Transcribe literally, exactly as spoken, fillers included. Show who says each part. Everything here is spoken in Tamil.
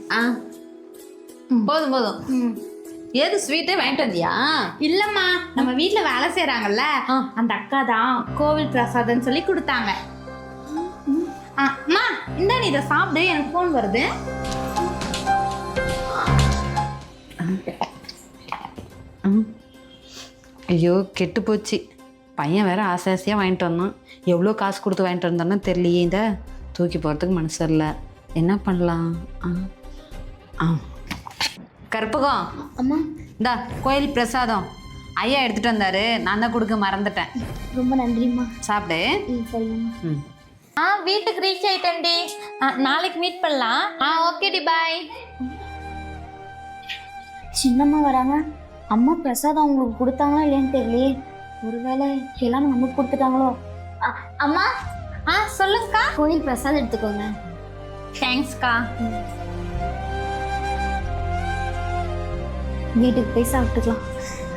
Speaker 1: ஆ போதும் போதும். ம் ஏது ஸ்வீட்டே வாங்கிட்டு வந்தியா?
Speaker 2: இல்லம்மா, நம்ம வீட்ல வேலை செய்யறாங்கல்ல அந்த அக்கா தான் கோவில் பிரசாதம் சொல்லி கொடுத்தாங்க. அம்மா இந்த நீ இதை சாப்பிடு, எனக்கு ஃபோன் வருது.
Speaker 1: ஐயோ கெட்டு போச்சு. பையன் வேற ஆசை ஆசையாக வாங்கிட்டு வந்தான். எவ்வளோ காசு கொடுத்து வாங்கிட்டு வந்தானோ தெரியலையே. இந்த தூக்கி போகிறதுக்கு மனசு இல்லை. என்ன பண்ணலாம்? ஆ ஆ கற்பகம்
Speaker 3: அம்மா,
Speaker 1: இந்தா கோயில் பிரசாதம் ஐயா எடுத்துகிட்டு வந்தாரு. நான் தான் கொடுக்க மறந்துட்டேன்.
Speaker 3: ரொம்ப நன்றிம்மா.
Speaker 1: சாப்பிடு.
Speaker 3: ம் சரிங்கம்மா.
Speaker 1: ம்
Speaker 2: ஆ வீட்டுக்கு ரீச் ஆயிட்டேன்டி. நாளைக்கு மீட் பண்ணலாம். ஆ ஓகேடி பாய்.
Speaker 3: சின்னம்மா வராங்க. அம்மா பிரசாதம் அவங்களுக்கு கொடுத்தாங்களா இல்லையான்னு தெரியலையே. ஒருவேளை எல்லாம் நமக்கு கொடுத்துட்டாங்களோ. அம்மா,
Speaker 2: ஆ சொல்லுங்கக்கா.
Speaker 3: கோயில் பிரசாதம் எடுத்துக்கோங்க.
Speaker 2: தேங்க்ஸ்க்கா.
Speaker 3: வீட்டுக்கு போய் சாப்பிட்டுக்கலாம்.